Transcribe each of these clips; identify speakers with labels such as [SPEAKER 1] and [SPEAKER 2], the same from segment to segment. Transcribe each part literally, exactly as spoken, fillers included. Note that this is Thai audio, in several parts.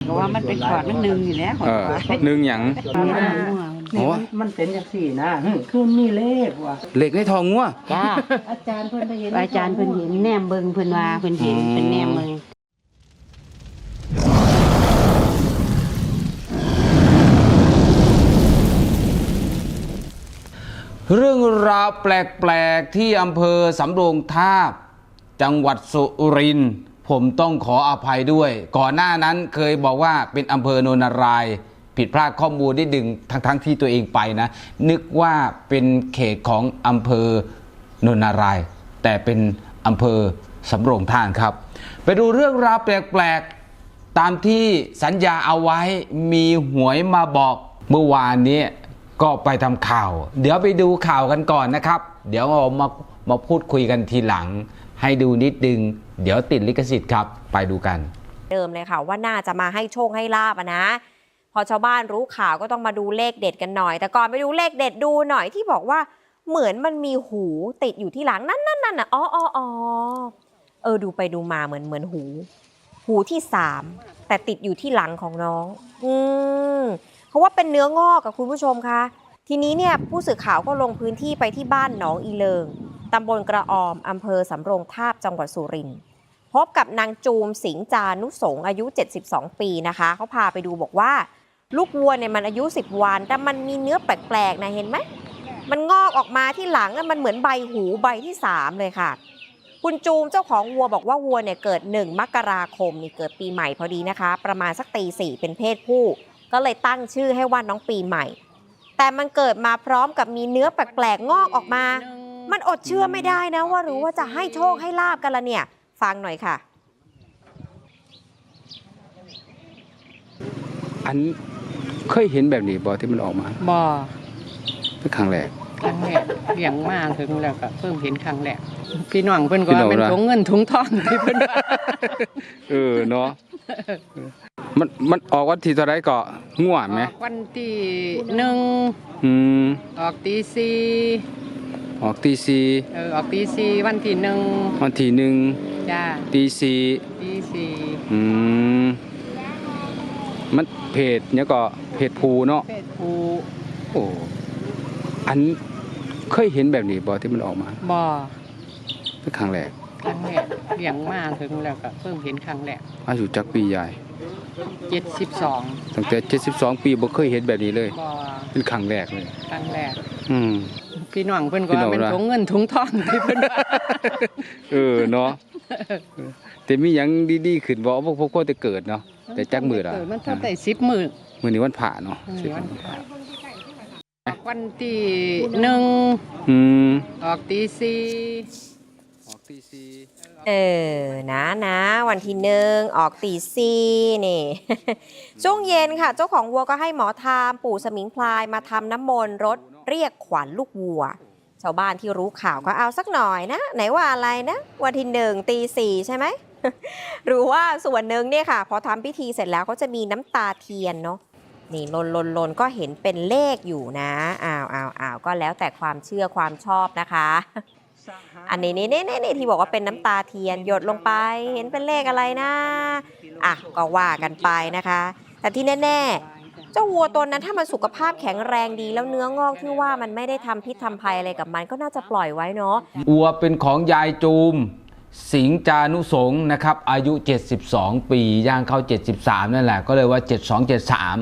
[SPEAKER 1] ก็ว่ามันเป็นขอดมันหนึ่งอยู่แล้ว
[SPEAKER 2] เออหนึ่งหยัง
[SPEAKER 1] นี่
[SPEAKER 3] มันเป็นอย่างสี่นะคือมีเลขว่ะ
[SPEAKER 2] เหล็กในทองงัว
[SPEAKER 1] จ้า
[SPEAKER 3] อาจารย์เพิ่นไปเห็น
[SPEAKER 1] อาจารย์เพิ่นเห็นแนมเบิ่งเพิ่นว่าเพิ่นเห็นเป็นแนมเบิ่ง
[SPEAKER 2] เรื่องราวแปลกๆที่อำเภอสำโรงทาบจังหวัดสุรินทร์ผมต้องขออภัยด้วยก่อนหน้านั้นเคยบอกว่าเป็นอำเภอโนนารายผิดพลาดข้อมูลได้ดึงทั้งๆที่ตัวเองไปนะนึกว่าเป็นเขตของอำเภอโนนารายแต่เป็นอำเภอสำโรงทาบครับไปดูเรื่องราวแปลกๆตามที่สัญญาเอาไว้มีหวยมาบอกเมื่อวานนี้ก็ไปทำข่าวเดี๋ยวไปดูข่าวกันก่อนนะครับเดี๋ยวเรามามาพูดคุยกันทีหลังให้ดูนิดนึงเดี๋ยวติดลิขสิทธิ์ครับไปดูกัน
[SPEAKER 4] เดิมเลยค่ะว่าน่าจะมาให้โชคให้ลาบอะนะพอชาวบ้านรู้ข่าวก็ต้องมาดูเลขเด็ดกันหน่อยแต่ก่อนไปดูเลขเด็ดดูหน่อยที่บอกว่าเหมือนมันมีหูติดอยู่ที่หลังนั่นนั่นนั่นอ่ะอ๋ออ๋ออ๋อเออดูไปดูมาเหมือนเหมือนหูหูที่สามแต่ติดอยู่ที่หลังของน้องอืมเพราะว่าเป็นเนื้องอกกับคุณผู้ชมคะทีนี้เนี่ยผู้สื่อข่าวก็ลงพื้นที่ไปที่บ้านหนองอีเลิงตำบลกระออมอำเภอสำโรงทาบจังหวัดสุรินทร์พบกับนางจูมสิงจานุสงอายุเจ็ดสิบสองปีนะคะเขาพาไปดูบอกว่าลูกวัวเนี่ยมันอายุสิบวันแต่มันมีเนื้อแปลกๆนะเห็นไหมมันงอกออกมาที่หลังมันเหมือนใบหูใบที่สามเลยค่ะคุณจูมเจ้าของวัวบอกว่าวัวเนี่ยเกิดหนึ่งมกราคมนี่เกิดปีใหม่พอดีนะคะประมาณสักตีสี่เป็นเพศผู้ก็เลยตั้งชื่อให้ว่าน้องปีใหม่แต่มันเกิดมาพร้อมกับมีเนื้อแปลกๆงอกออกมามันอดเชื่อไม่ได้นะว่ารู้ว่าจะให้โชคให้ลาบกันละเนี่ยฟังหน่อยค่ะ
[SPEAKER 2] อันเคยเห็นแบบนี้บ่ที่มันออกมา
[SPEAKER 1] บ่
[SPEAKER 2] เป็นครั้งแรก
[SPEAKER 1] ครั้งแรกเลี้ยงมาถึงแล้วก็เพิ่งเห็นครั้งแรกพี่น้องเพิ่นก็
[SPEAKER 2] พี่น้อง
[SPEAKER 1] เป็น
[SPEAKER 2] ว่า
[SPEAKER 1] ถุงเงินถุงทองที่เพิ่นว่า
[SPEAKER 2] เออเนาะมันมันออกวันที่เท่าไรก็ง่วงไหม
[SPEAKER 1] ออกวันที่หนึ่ง
[SPEAKER 2] อืม
[SPEAKER 1] ออกตีสี่
[SPEAKER 2] ออกตีสี่
[SPEAKER 1] เออออกตีสี่วันที่หนึ่ง
[SPEAKER 2] วันที่หนึ่ง
[SPEAKER 1] จ้า
[SPEAKER 2] ตีสี่
[SPEAKER 1] ตีสี่
[SPEAKER 2] อืมมันเพจเนี่ยก็เพจภูเนาะ
[SPEAKER 1] เพศผู้
[SPEAKER 2] โอ้อันเคยเห็นแบบนี้บ่ที่มันออกมา
[SPEAKER 1] บ่
[SPEAKER 2] เป็นครั้งแรก
[SPEAKER 1] ครั้งแรกเลี้ยงมาถึงแล้วก็เพิ่งเห็นครั้งแรก
[SPEAKER 2] อายุจักปีใหญ่
[SPEAKER 1] เจ็ดสิบสอง
[SPEAKER 2] ตั้งแต่เจ็ดสิบสองปีบ่เคยเห็นแบบนี้เลย
[SPEAKER 1] บ่
[SPEAKER 2] เป็นครั้งแรกเลย
[SPEAKER 1] ครั้งแรก
[SPEAKER 2] อืม
[SPEAKER 1] พี่น้องเพิ่นก็
[SPEAKER 2] พี่น้อง
[SPEAKER 1] เป็น
[SPEAKER 2] ว่า
[SPEAKER 1] ถุงเงินถุงทองที่เพิ่นว่า
[SPEAKER 2] เออเนาะแต่มีหยังดีๆขึ้นบ่พวกพวกก็จะเกิดเนาะแต่จักมื้อล่ะ
[SPEAKER 1] เมันเท่าได้สิบมื้อ
[SPEAKER 2] มื้อนี้วันพระเนาะ
[SPEAKER 1] มื้อนี้วันพระวันที่หนึ่ง
[SPEAKER 2] อืม
[SPEAKER 1] ออกตีสี่
[SPEAKER 2] ออกตีสี่
[SPEAKER 4] เออนะนะวันที่หนึ่งออกตีสี่นี่ ช่วงเย็นค่ะ เจ้าของวัวก็ให้หมอทามปู่สมิงพลายมาทำน้ำมนต์รถเรียกขวัญลูกวัว ชาวบ้านที่รู้ข่าวก็เอาสักหน่อยนะ ไหนว่าอะไรนะวันที่หนึ่งตีสี่ใช่ไหม หรือว่าส่วนหนึ่งเนี่ยค่ะ พอทำพิธีเสร็จแล้วเขาจะมีน้ำตาเทียนเนาะนี่ลนลนลนก็เห็นเป็นเลขอยู่นะอ้าวอ้าวอ้าวก็แล้วแต่ความเชื่อความชอบนะคะ อันนี้นี่นี่นี่ที่บอกว่าเป็นน้ำตาเทียนหยดลงไปเห็นเป็นเลขอะไรนะอ่ะก็ว่ากันไปนะคะ แต่ที่แน่ๆเจ้าวัวตัวนั้นถ้ามันสุขภาพแข็งแรงดีแล้วเนื้องอกที่ว่ามันไม่ได้ทำพิษทำภัยอะไรกับมันก็น่าจะปล่อยไว้เนาะ
[SPEAKER 2] อัวเป็นของยายจูมสิงจานุสงฆ์นะครับอายุเจ็ดสิบสองปีย่างเข้าเจ็ดสิบสามนั่นแหละก็เลยว่าเจ็ดสองเจ็ดสาม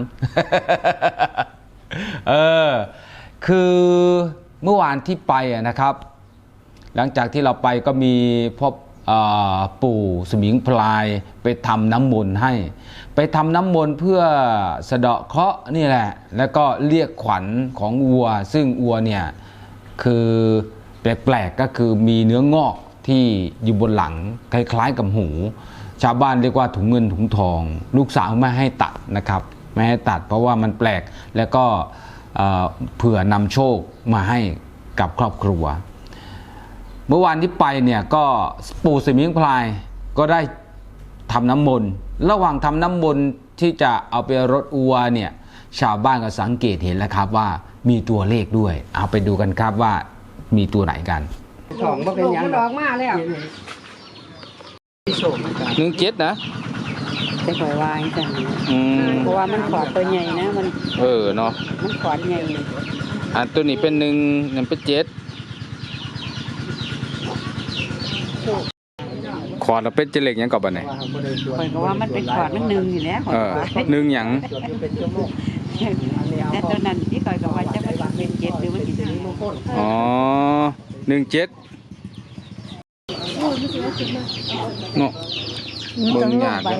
[SPEAKER 2] เออคือเมื่อวานที่ไปนะครับหลังจากที่เราไปก็มีพ่อปู่สมิงพลายไปทำน้ำมนต์ให้ไปทำน้ำมนต์เพื่อสะเดาะเคราะห์นี่แหละแล้วก็เรียกขวัญของวัวซึ่งวัวเนี่ยคือแปลกๆก็คือมีเนื้องอกที่อยู่บนหลังคล้ายๆกับหูชาวบ้านเรียกว่าถุงเงินถุงทองลูกสาวไม่ให้ตัดนะครับไม่ให้ตัดเพราะว่ามันแปลกแล้วก็เผื่อนำโชคมาให้กับครอบครัวเมื่อวานที่ไปเนี่ยก็ปู่สมิงพลายก็ได้ทำน้ำมนต์ระหว่างทำน้ำมนต์ที่จะเอาไปรดอัวเนี่ยชาวบ้านก็สังเกตเห็นแล้วครับว่ามีตัวเลขด้วยเอาไปดูกันครับว่ามีตัวไหนกัน
[SPEAKER 3] สองบ่เป็นหยัง
[SPEAKER 1] ดอกมาแล้ว
[SPEAKER 2] หนึ่งเจ็ดนะ
[SPEAKER 1] จะคอยวางจัง
[SPEAKER 2] อืม
[SPEAKER 1] เพราะว่ามันขอดตัวใหญ่นะมัน
[SPEAKER 2] เออเนาะ
[SPEAKER 1] มันขอดใหญ่
[SPEAKER 2] อันตัวนี้เป็นหนึ่งนั่นเป็นเจ็ดขอดเราเป็นเจเล็กหยังกับบันไหน
[SPEAKER 1] คอยก็ว่ามันเป็นขอดมันหนึ่งอยู่แล้วขอ
[SPEAKER 2] เอ
[SPEAKER 1] ด
[SPEAKER 2] อ
[SPEAKER 1] ว่า
[SPEAKER 2] หนึ่งหยัง
[SPEAKER 1] แต่ตัวนั้นที่คอยก็ว่าจะมันเป็นเจ็ดหรือมันเป็นหนึ่ง
[SPEAKER 2] อ๋อหนึ่งเจ็ดเนาะเบิ่งยากเลย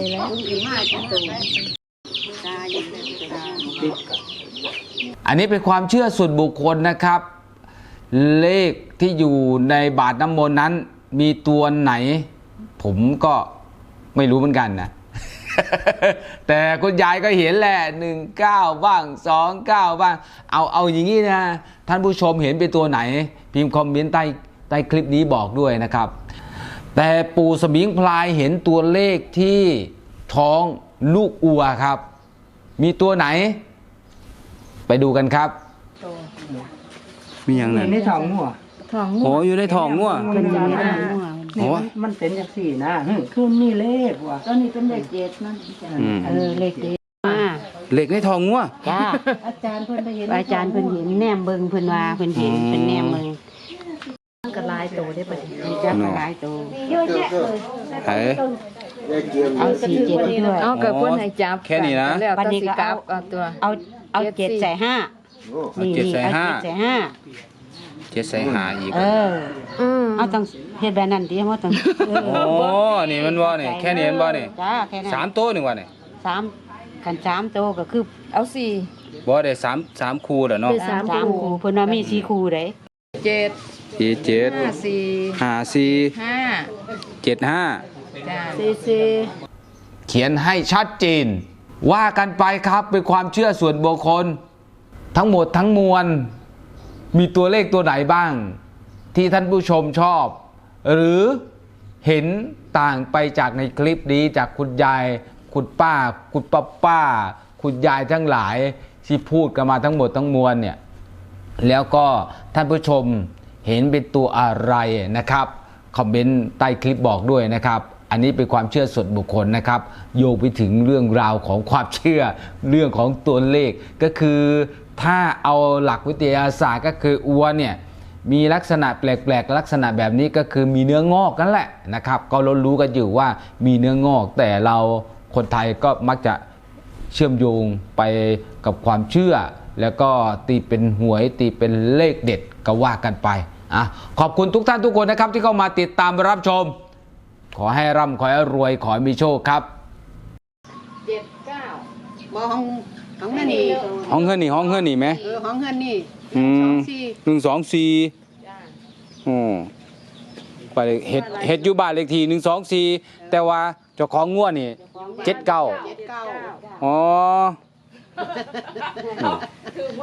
[SPEAKER 2] อันนี้เป็นความเชื่อส่วนบุคคลนะครับ เลขที่อยู่ในบาทน้ำมนต์นั้นมีตัวไหน ผมก็ไม่รู้เหมือนกันนะ แต่คุณยายก็เห็นแหละหนึ่งเก้าบ้างสองเก้าบ้างเอาเอาอย่างนี้นะท่านผู้ชมเห็นเป็นตัวไหน พิมพ์คอมเมนต์ใต้ใต้คลิปนี้บอกด้วยนะครับ แต่ปู่สมิงพรายเห็นตัวเลขที่ท้องลูกอัวครับ มีตัวไหน ไปดูกันครับ มีอย่างนั้น
[SPEAKER 3] ในท้องงัว
[SPEAKER 2] โอ้อยู่ในท้องงัว
[SPEAKER 3] เป็นอย่างนี้นะ
[SPEAKER 2] โอ้
[SPEAKER 3] มันเป็นจังสี่นะหึคือมีเลขว่ะ
[SPEAKER 1] ตัวนี้เป็นเลขเจ็ดนั่น
[SPEAKER 2] อืม
[SPEAKER 1] เออเลขเจ็ดมา
[SPEAKER 2] เหล็กในท้องงัว
[SPEAKER 1] จ้า
[SPEAKER 3] อาจารย์เพิ่นไปเห็น
[SPEAKER 1] อาจารย์เพิ่นเห็นแนมเบิ่งเพิ่นว่าเพิ่นเห็น
[SPEAKER 2] อืม
[SPEAKER 1] เป็นแนมเบิ่ง
[SPEAKER 3] กระลายโตได้ปะเนี่ย
[SPEAKER 1] จักหลายตัว
[SPEAKER 3] เยอะแยะเลย
[SPEAKER 2] ไหน
[SPEAKER 1] เอาสี่เจ็ดด้วย
[SPEAKER 5] เอาเกิดเพิ่นให้จับ
[SPEAKER 2] แค่นี้นะ
[SPEAKER 5] แล้ว
[SPEAKER 1] บัด
[SPEAKER 5] แต่
[SPEAKER 1] นี้
[SPEAKER 5] สิ
[SPEAKER 1] ก็
[SPEAKER 5] กลั
[SPEAKER 1] เอา
[SPEAKER 5] บเอาตัว
[SPEAKER 1] เอาเอาเจ็ดใส่ห้า
[SPEAKER 2] เอาเจ็ดใส่ห้า
[SPEAKER 1] เอาเจ็ดใส่ห้า
[SPEAKER 2] เจ็ดใส่หาอีก
[SPEAKER 1] เออ
[SPEAKER 5] อืม
[SPEAKER 1] เอาต้องเฮ็ดแบบนั้นดิว่าต้องเออ
[SPEAKER 2] โอ้นี่มันว่านี่แค่นี้มันว่านี่
[SPEAKER 1] จ้าแค่นั้น
[SPEAKER 2] สามตัวหนึ่งว่านี่
[SPEAKER 1] สามคันสามตัวก็คือ
[SPEAKER 5] เอาสี่
[SPEAKER 2] บ่ได้สามสามคู่เด้อเนาะ
[SPEAKER 5] เป็นสาม
[SPEAKER 1] สาม
[SPEAKER 5] คู่
[SPEAKER 1] คู่เพิ่นว่ามีสี่คู่เด้
[SPEAKER 5] เจ็ด
[SPEAKER 2] สี่เจ็ด
[SPEAKER 5] ห้าสี่
[SPEAKER 2] ห้าสี่
[SPEAKER 5] ห้า
[SPEAKER 2] เจ็ดห้า
[SPEAKER 5] จ้า
[SPEAKER 1] สี่สี่
[SPEAKER 2] เขียนให้ชัดเจนว่ากันไปครับเป็นความเชื่อส่วนบุคคล ทั้งหมดทั้งมวลมีตัวเลขตัวไหนบ้าง ที่ท่านผู้ชมชอบ หรือเห็นต่างไปจากในคลิปนี้จากคุณยายคุณป้า คุณป้าป้า คุณยายทั้งหลายที่พูดกันมาทั้งหมดทั้งมวลเนี่ยแล้วก็ท่านผู้ชมเห็นเป็นตัวอะไรนะครับคอมเมนต์ใต้คลิปบอกด้วยนะครับอันนี้เป็นความเชื่อส่วนบุคคลนะครับโยงไปถึงเรื่องราวของความเชื่อเรื่องของตัวเลขก็คือถ้าเอาหลักวิทยาศาสตร์ก็คืออัวเนี่ยมีลักษณะแปลกๆลักษณะแบบนี้ก็คือมีเนื้องอกนั่นแหละนะครับก็เรารู้กันอยู่ว่ามีเนื้องอกแต่เราคนไทยก็มักจะเชื่อมโยงไปกับความเชื่อแล้วก็ตีเป็นหวยตีเป็นเลขเด็ดก็ว่ากันไปอ่ะขอบคุณทุกท่านทุกคนนะครับที่เข้ามาติดตามรับชมขอให้ร่ำขอให้รวยขอให้มีโชคครับ
[SPEAKER 1] เจ็ดเก้าบ่ห้องห้องเฮือนนี่
[SPEAKER 2] ห้องเฮือนนี่ห้องเฮือนนี่ไหม
[SPEAKER 1] เออห้องเฮือนนี่
[SPEAKER 2] อืม
[SPEAKER 1] สองสี่
[SPEAKER 2] หนึ่งสองสี่อืมไปเฮ็ดเฮ็ดอยู่บ้านเลขที่หนึ่งสองสี่แต่ว่าเจ้าของงัวนี่เจ็ดเก้า
[SPEAKER 1] เจ็ดเก้า
[SPEAKER 2] อ๋อ